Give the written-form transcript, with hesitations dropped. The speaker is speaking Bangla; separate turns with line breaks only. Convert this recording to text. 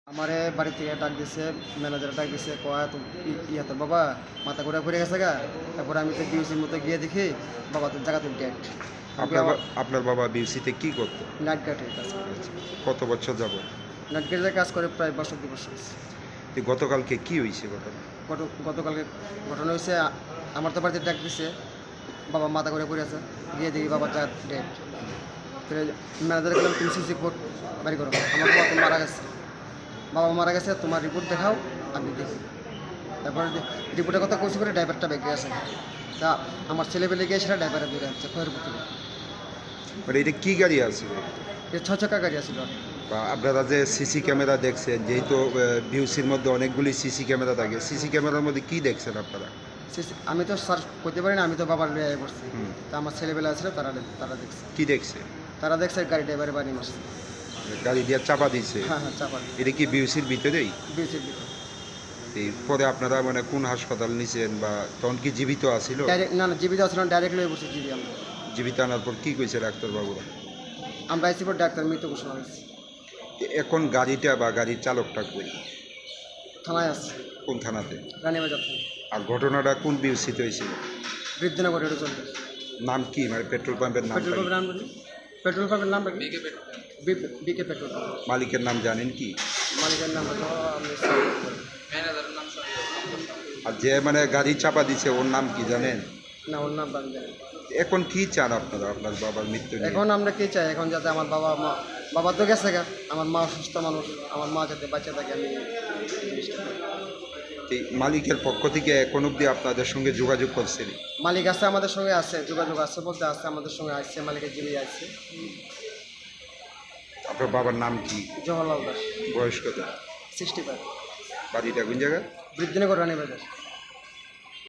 আমারে বাড়ি থেকে ডাক দিছে, ম্যানেজার ডাক দিছে, কয় তো তোর বাবা মাথা ঘুরে গেছে গা। তারপরে আমি তো বিউসির মতো গিয়ে দেখি বাবা তোর জায়গা তুই ডেট।
আপনার বাবা বিউসিতে কি করতো?
নাইট গার্ডের কাজ করে।
কত বছর যাব?
নাইট গার্ডের কাজ করে প্রায় বছর 2 বছর।
গতকালকে কি হয়েছে ঘটনা?
গতকালকে ঘটনা হয়েছে, আমার তো বাড়িতে ডাক দিছে, বাবা মাথা ঘুরে আছে, গিয়ে দেখি বাবা জায়গা ডেট। ম্যানেজার গেলাম, তুমি সিসি রিপোর্ট বাড়ি করো, আমার বাবা তো মারা গেছে, বাবা মারা গেছে, তোমার রিপোর্ট দেখাও, আমি দেখি। তারপরে রিপোর্টের কথা কইছি করে ড্রাইভারটা বেঁকে গেছে। তা আমার ছেলেবেলে গিয়ে সেটা ড্রাইভারে বেড়ে আসছে খয়েরপুর থেকে।
মানে এটা কি গাড়ি আছে?
এর 6 চাকা গাড়ি আছিল।
বা আপনারা যে সিসি ক্যামেরা দেখছেন, যেহেতু বিউসির মধ্যে অনেকগুলি সিসি ক্যামেরা থাকে, সিসি ক্যামেরার মধ্যে কি দেখছেন আপনারা?
আমি তো স্যার করতে পারি না, আমি তো বাবার লিয়ে করছি। তা আমার ছেলেবেলা আছে, তারা দেখছে।
কি দেখছে?
তারা দেখছে গাড়ি ড্রাইভারে বাড়ি মারছে।
গাড়ি দিয়ে চাপা দিয়েছে?
হ্যাঁ হ্যাঁ, চাপা দিছে।
এটা কি বিউসির ভিতরেই?
বিউসির ভিতরে।
পরে আপনারা মানে কোন হাসপাতাল নিছেন, বা তখন কি জীবিত আছিল?
না, জীবিত আছিল না, ডাইরেক্ট লয়ে বসে জীবি আমরা।
জীবিত আনার পর কি কইছে ডাক্তারবাবুরা?
আমরা আইসি পর ডাক্তার মৃত ঘোষণা হয়েছে।
এখন গাড়িটা বা গাড়ির চালকটা কই?
থানায় আছে।
কোন থানাতে?
রানীবাজার থানা।
আর ঘটনাটা কোন বিউসিতে হয়েছিল?
বৃদ্ধিনগর এটা চলতে।
নাম কি, মানে পেট্রোল পাম্পের নাম?
পেট্রোল পাম্পের নাম বলি, পেট্রোল পাম্পের নাম বিকে পেট্রোল পাম্প।
মালিকের নাম জানেন কি?
মালিকের নাম হলো
আর যে মানে গাড়ি চাপা দিছে ওর নাম কি জানেন?
না, ওর নাম বাদ দেন।
এখন কি চান আপনারা আপনার বাবার মৃত্যু নিয়ে?
এখন আমরা কি চাই, এখন যাতে আমার বাবা তো গেছে গা, আমার মা অসুস্থ মানুষ, আমার মা যাতে বাচ্চা থাকে, আমি এই জিনিসটা চাই।
এই মালিকের পক্ষ থেকে এখন অবধি আপনাদের সঙ্গে যোগাযোগ করছেন?
মালিক আছে, আমাদের সঙ্গে আছে, যোগাযোগ আছে বলতে আছে, আমাদের সঙ্গে আসছে, মালিকের জিবি আসছে।
আপনার বাবার নাম কি?
জওহরলাল দাস।
বয়স কত?
65।
বাড়িটা কোন জায়গায়?
বৃদ্ধিনগর রানীবাজার।